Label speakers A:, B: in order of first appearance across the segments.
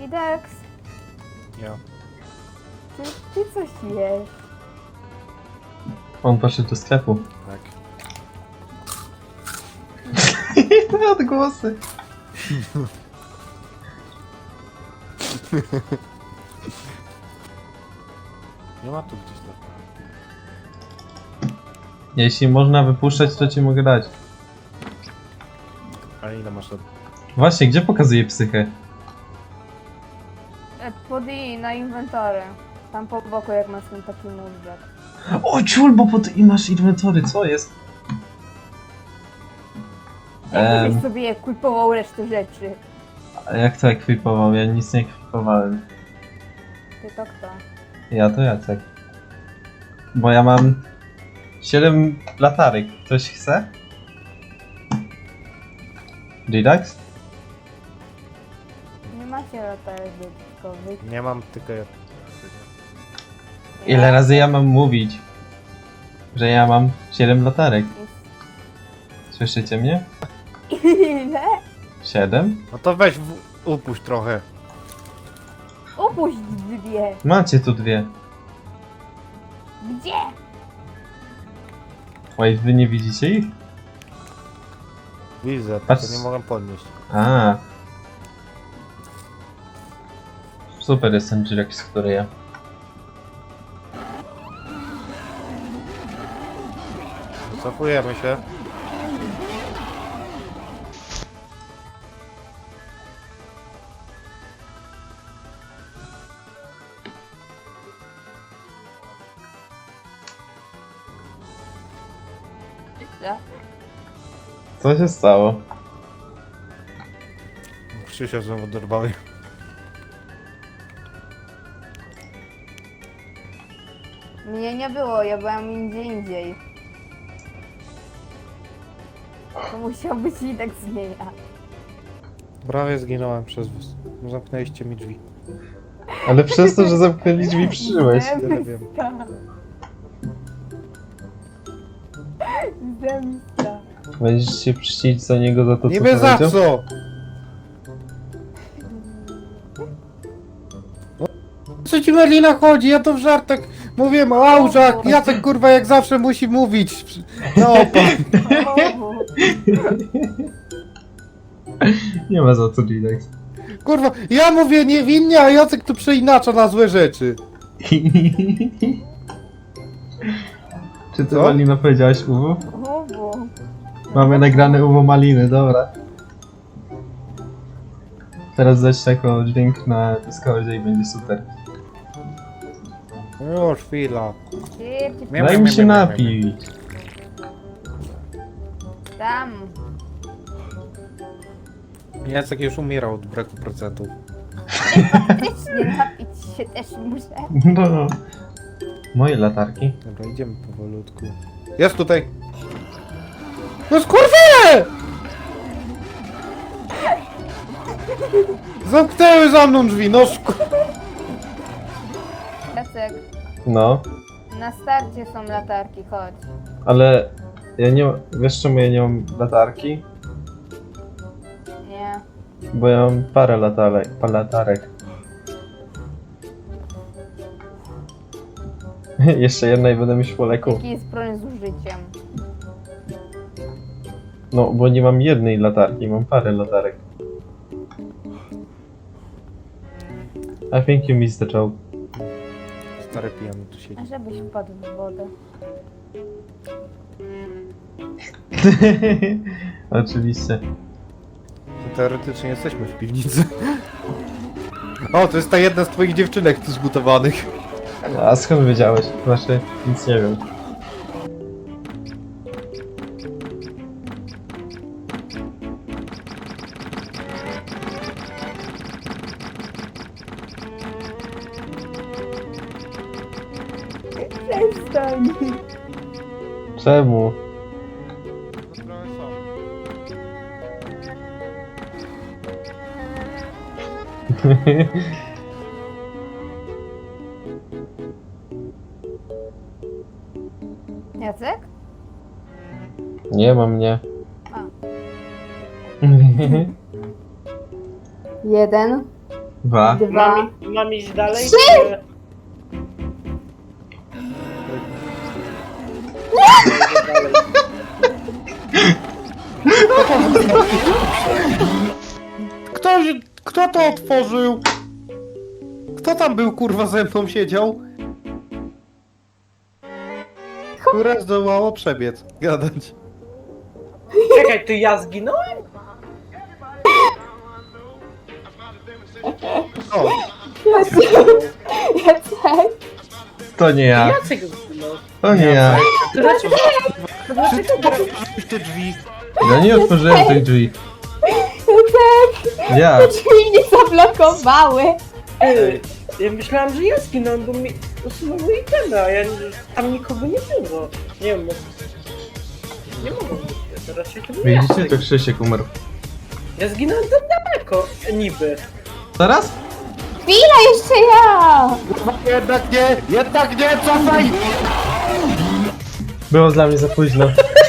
A: Idex,
B: Ja.
A: ty coś jesz.
C: On poszedł do sklepu.
B: Tak.
C: Te odgłosy.
B: Nie ma tu gdzieś tak.
C: Jeśli można wypuszczać, to ci mogę dać.
B: Ale ile masz lat?
C: Właśnie, gdzie pokazuje psychę?
A: Pod i na inwentory. Tam po boku jak masz ten taki mózg.
C: O ciul, bo pod i masz inwentory, co jest?
A: Jak sobie ekwipował resztę rzeczy.
C: A jak to ekwipował? Ja nic nie ekwipowałem.
A: Ty to kto?
C: Ja to Jacek. Bo ja mam 7 latarek. Ktoś chce? Relax?
A: Nie macie latarek dodatkowych.
B: Nie mam tylko ja.
C: Ile razy ja mam mówić, że ja mam 7 latarek? Słyszycie mnie?
A: Ile?
C: 7?
B: No to weź upuść trochę.
A: Upuść dwie.
C: Macie tu 2.
A: Gdzie?
C: Oj, wy nie widzicie ich?
B: Widzę,
C: Patrz.
B: tylko nie mogę podnieść.
C: A. Super jest ten Jirex, który ja.
B: Cofujemy się.
A: Co?
C: Co się stało?
B: Krzysia znowu dorwały.
A: Mnie nie było, ja byłam gdzie indziej. To musiał być i tak zmienia.
B: Prawie zginąłem przez was. Zamknęliście mi drzwi.
C: Ale przez to, że zamknęli drzwi, przyszłeś.
B: Tyle wiem.
A: Zemsta.
C: Będziesz się czcić za niego za to, co
B: Niby za
C: powiedział?
B: co? Co ci Merlina chodzi? Ja to w żartach mówiłem o Aużach. Jacek kurwa jak zawsze musi mówić. No
C: Nie ma za co, Jirex.
B: kurwa, ja mówię niewinnie, a Jacek tu przeinacza na złe rzeczy.
C: Czy ty,
B: Co?
C: Malino, powiedziałaś uwu?
A: Uwu.
C: Mamy nagrane uwo maliny, dobra. Teraz dać taką dźwięk na Discordzie i będzie super.
B: Już chwila.
C: Daj mi się napić.
A: Tam.
B: Jacek już umierał od braku procentów.
A: Faktycznie napić się też muszę.
C: No. Moje latarki.
B: Dobra, idziemy powolutku. Jest tutaj! No skurwie! Zamknęły za mną drzwi, no
A: Jacek,
C: No.
A: na starcie są latarki, chodź.
C: Ale ja nie... Wiesz czemu ja nie mam latarki?
A: Nie.
C: Bo ja mam parę latarek. Jeszcze jedna i będę mieć po leku.
A: Jaki jest problem z użyciem?
C: No, bo nie mam jednej latarki, mam parę latarek. I think you missed the joke.
B: Stary pijany tu siedzi.
A: A żebyś wpadł w wodę.
C: Oczywiście.
B: Teoretycznie jesteśmy w piwnicy. O, to jest ta jedna z twoich dziewczynek tu zbutowanych.
C: A skąd wiedziałeś? Znaczy, nic nie wiem.
A: Przestań.
C: Czemu?
A: Jacek?
C: Nie ma mnie.
A: A. Jeden.
C: 2.
A: 2.
D: Mam iść dalej?
A: Trzy!
D: Czy...
B: Kto to otworzył? Kto tam był, kurwa, ze mną siedział? Które zdołało przebiec. Gadać.
D: Czekaj, to ja zginąłem?
B: O,
A: Jacek.
C: To nie ja.
D: Jacek zginął.
C: To nie ja.
D: To dlaczego?
B: te drzwi.
C: Ja nie otworzyłem tych drzwi.
A: Jacek.
C: Ja.
A: Drzwi mnie zablokowały.
D: Ej, ja myślałem, że ja zginąłem, bo mi usunęło itemy, a ja tam nikogo nie było. Nie wiem, nie mogą być, to raczej to był
C: Widzicie,
D: Jacek.
C: to Krzysiek umarł.
D: Ja zginąłem za daleko, niby.
C: Teraz?
A: Chwila, jeszcze ja.
B: Jednak nie, cofaj!
C: Było dla mnie za późno.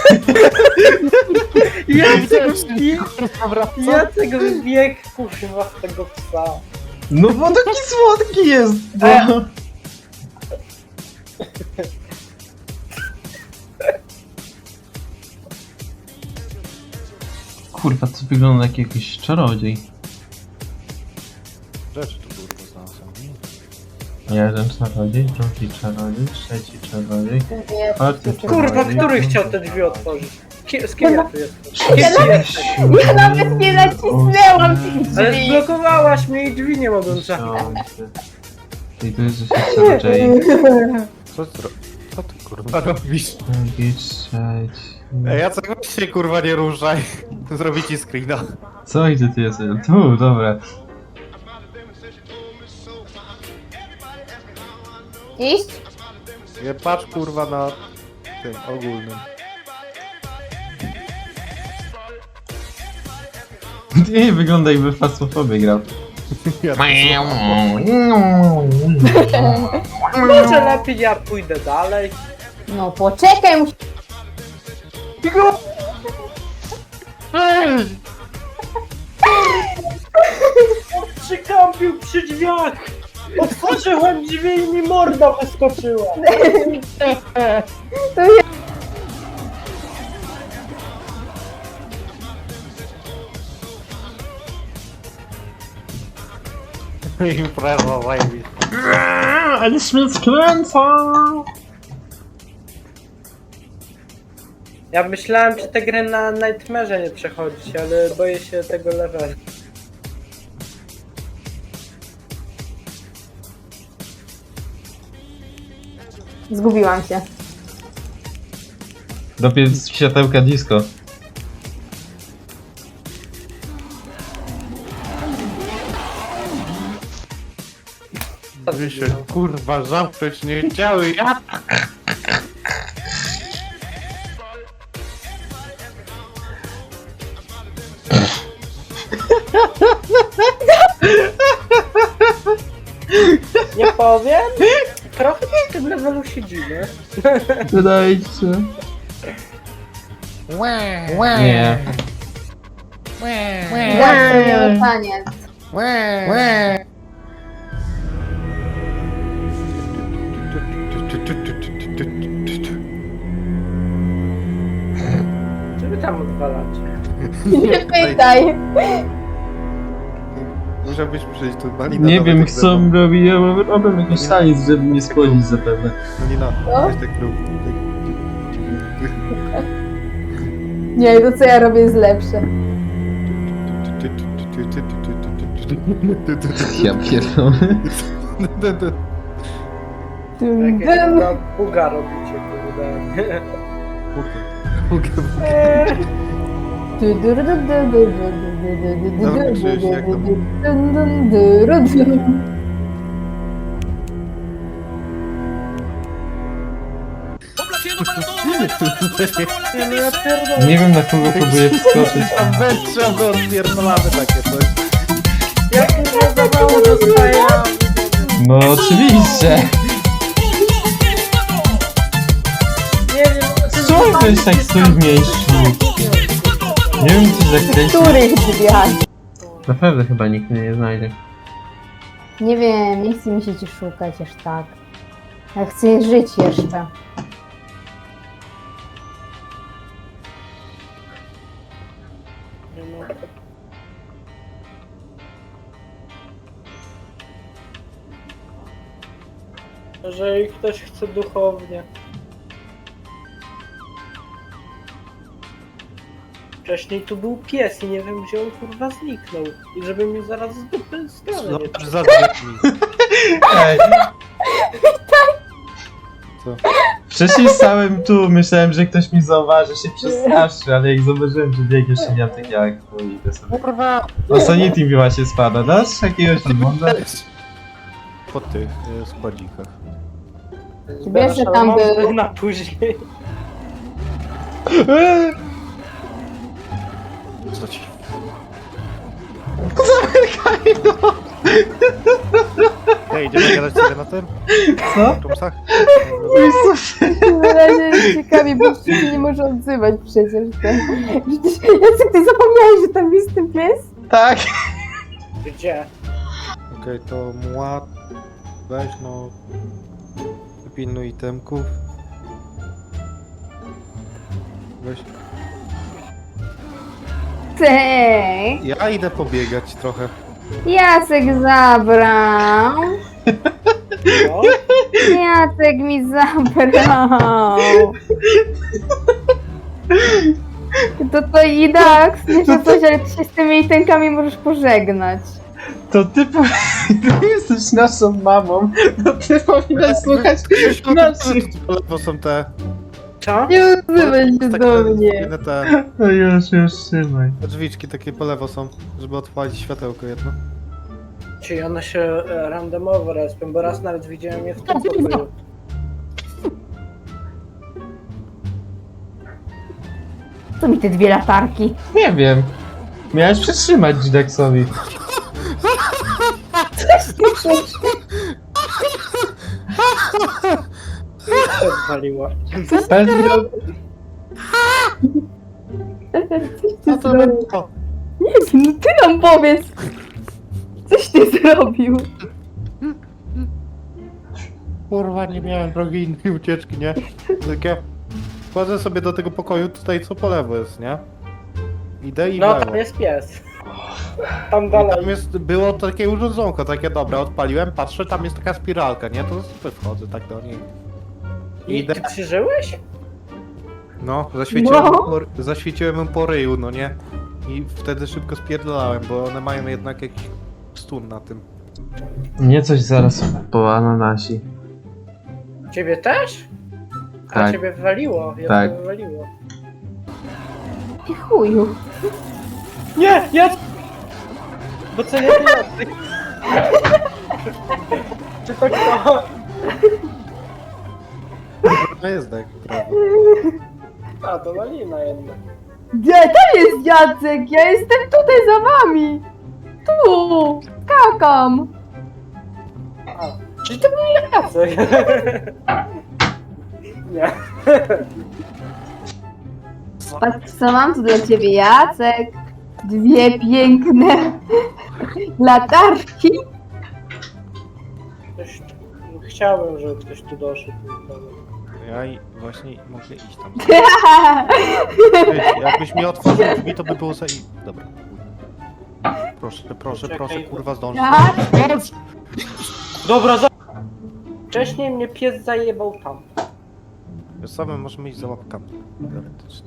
D: Jacek wbiegł, kurwa, w tego psa.
C: No bo taki słodki jest. No. Kurwa, to wygląda jak jakiś czarodziej.
B: Rzeczy tu kurwa znalazłem.
C: Jeden czarodziej, drugi czarodziej, trzeci czarodziej, czwarty
D: Kurwa,
C: czarodziej.
D: który chciał te drzwi otworzyć? Z kim ja tu jestem?
A: Ja nawet nie nacisnęłam tych
D: Ale
A: drzwi.
D: zblokowałaś mnie i drzwi nie mogłem zamknąć.
C: I tu jest 10 czarodziei.
B: Co ty kurwa robisz?
C: Drugi, trzeci.
B: Ej, Jacek, weź się kurwa nie ruszaj. Zrobię ci screena.
C: Co i ty jesteś? Tu, dobra.
A: Iść?
B: Nie patrz kurwa na tym ogólnym.
C: Nie wygląda jakby fasmofobię grał.
B: Ja
D: Może lepiej ja pójdę dalej.
A: No poczekaj, muszę...
D: Przykampił przy drzwiach! Otworzyłem drzwi i mi morda wyskoczyła.
A: To ja...
B: Impreza zajebista.
C: Ale mnie skręca!
D: Ja myślałem, że tę grę na Nightmare'ze nie przechodzić, ale boję się tego levelu.
A: Zgubiłam się.
C: Dopiero światełka disco.
B: Wy się kurwa zamknąć nie chciały. Ja...
D: Nie powiem? Trochę w tym levelu siedzimy.
C: Wydaje ci się. Nie.
A: Jak to miał taniec.
D: Co wy tam odwalacie?
A: Nie pytaj.
B: Musiałbyś przyjść tu, Malina.
C: Nie
B: nawet
C: wiem,
B: jak
C: chcą robić, robią jakiś taniec, żeby mnie spłodzić zapewne.
B: Malina,
A: Co?
B: weź tak rób.
A: Nie, to co ja robię jest lepsze.
C: Ja pierdolę.
A: Dum,
D: Jakieś
A: dum.
D: buga robicie, kurde.
A: Du, du, du, du, du, du, du, du, du,
B: Dobra,
A: du,
B: Krzyś,
A: du,
B: jak
A: du,
B: tam?
A: du, dum, dum, du, ru, dum.
D: Nie, no ja pierdolę.
C: Nie wiem, na kogo próbuję wskoczyć.
B: A wędrza, to odpierdolamy takie coś.
D: Jak mnie za mało dostaję?
C: No oczywiście.
D: Nie wiem,
C: Co to jest tak stój w miejscu? Nie wiem, co zakręcić.
A: W których drzwiach?
C: Naprawdę chyba nikt mnie nie znajdzie.
A: Nie wiem, nie chce mi się cię szukać aż tak. Ja chcę żyć jeszcze.
D: Nie ma. Jeżeli ktoś chce duchownie. Wcześniej tu był pies i nie wiem gdzie on kurwa zniknął. I żeby mnie zaraz z dupy stronę nie
B: Zobacz za drzwiami.
C: Ej.
B: Co?
C: Wcześniej stałem tu, myślałem, że ktoś mi zauważy, się przestraszy, ale jak zobaczyłem, że biegniesz i miałem takie jak, no idę sobie.
B: Kurwa!
C: O Sanity mi właśnie spada, dasz jakiegoś odmąda?
B: Po tych składzikach.
A: Wiesz, że tam był.
D: na później.
B: Co ci? Ej, idziemy gadać sobie na tym?
C: Co?
B: W Rumsach?
A: Na razie jest ciekawie, bo się nie może odzywać przecież. Jacek, ty zapomniałeś, że tam jest ten pies?
C: Tak!
D: Gdzie?
B: Okej, to mła... Weź no... Pilnuj itemków. Weź...
A: Cek!
B: Ja idę pobiegać trochę.
A: Jacek zabrał.
D: No?
A: Jacek mi zabrał. To i Dax, nie że coś, ale ty się z tymi itenkami możesz pożegnać.
C: To ty ty jesteś naszą mamą, to ty powinnaś słuchać naszych.
B: Po lewo są te...
D: Co?
A: Nie odzywaj się do mnie.
B: Te
C: No już, trzymaj.
B: drzwiczki takie po lewo są, żeby odpalić światełko jedno.
D: Czyli one się randomowo respią, bo raz nawet widziałem je w tym pokoju.
A: Co mi te dwie latarki?
C: Nie wiem. Miałeś przytrzymać Dexowi.
D: Co odwaliła?
C: Pewnie.
B: Co to było?
A: No ty nam powiedz! Coś ty zrobił?
B: Kurwa, nie miałem drogi innej ucieczki, nie? Takie... Wchodzę sobie do tego pokoju tutaj, co po lewo jest, nie? Idę i w
D: No
B: lewo.
D: tam jest pies. Tam
B: I
D: dalej.
B: tam jest, było takie urządzonko, takie dobra, odpaliłem, patrzę, tam jest taka spiralka, nie? To sobie wchodzę tak do niej.
D: I
B: Idę.
D: ty krzyżyłeś?
B: No, zaświeciłem,
A: No.
B: zaświeciłem ją po ryju, no nie? I wtedy szybko spierdolałem, bo one mają jednak jakiś stun na tym.
C: Mnie coś zaraz po ananasi.
D: Ciebie też? A
C: Tak.
D: ciebie wywaliło, ja
C: Tak.
D: to wywaliło.
A: Ty chuju.
D: Nie, ja... Bo co nie ty Jacek? Czy to kto?
B: No jest tak, prawda.
D: A, to malina jednak.
A: Gdzie? Tam jest Jacek! Ja jestem tutaj za wami! Tu! Skakam!
D: A, czyli to był Jacek. Nie.
A: Patrz co mam tu dla ciebie, Jacek! Dwie piękne latarki!
D: Ktoś... Chciałbym, żeby ktoś tu doszedł.
B: Ja i właśnie mogę iść tam. Jakbyś mi otworzył drzwi, to by było za... Dobra. Proszę, proszę,
D: Czekaj.
B: proszę, kurwa, zdążę.
A: Jacek!
D: Dobra, wcześniej mnie pies zajebał tam.
B: Wiesz co, my możemy iść za łapkami. Teoretycznie.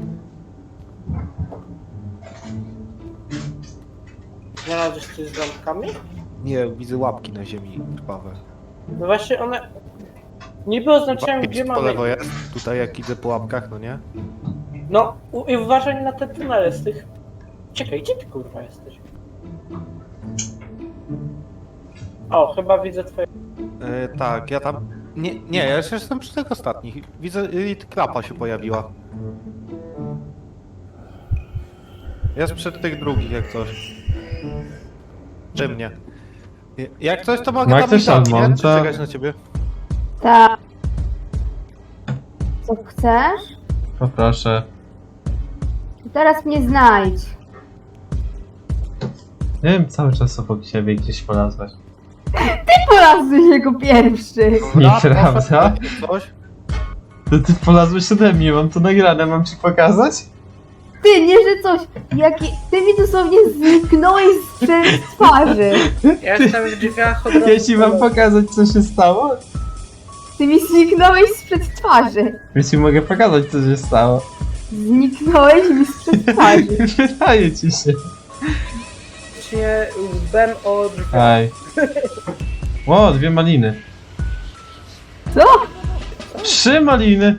D: Znalazłeś coś z lampkami?
B: Nie, widzę łapki na ziemi krwawe.
D: No właśnie one... Niby oznaczyłem
B: Łapki
D: gdzie
B: po lewo
D: mamy...
B: jest, tutaj jak idę po łapkach, no nie?
D: No i uważaj na te tunele z tych... Czekaj, gdzie ty kurwa jesteś? O, chyba widzę twoje...
B: Tak, ja tam... Nie, ja jeszcze jestem przy tych ostatnich. Widzę, klapa się pojawiła. Jest przy tych drugich, jak coś. Przy mnie. Jak coś, to mogę
C: Ma
B: tam
C: ktoś
B: iść tam, nie?
C: Almonta?
B: Czy czekać na ciebie?
A: Tak. Co chcesz?
C: Poproszę.
A: Teraz mnie znajdź.
C: Nie wiem, cały czas obok siebie gdzieś polazłaś.
A: polazłeś jako pierwszy.
C: Nieprawda.
B: Coś?
C: To ty polazłeś ode mnie, mam to nagrane, mam ci pokazać?
A: Ty, nie, że coś. Ty mi dosłownie zniknąłeś z twarzy.
D: Ja jestem w drzwiach od razu.
C: Jeśli mam pokazać, co się stało,
A: Ty mi zniknąłeś sprzed twarzy.
C: jeśli mogę pokazać, co się stało.
A: Zniknąłeś mi sprzed twarzy.
C: Wydaje ci się.
D: Się łbem o drzwiach.
C: Aj. O, 2 maliny.
A: Co?
C: 3 maliny!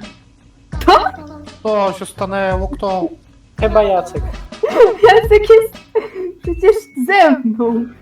B: Co się stanęło? Kto?
D: Chyba Jacek.
A: Jacek jest przecież ze mną.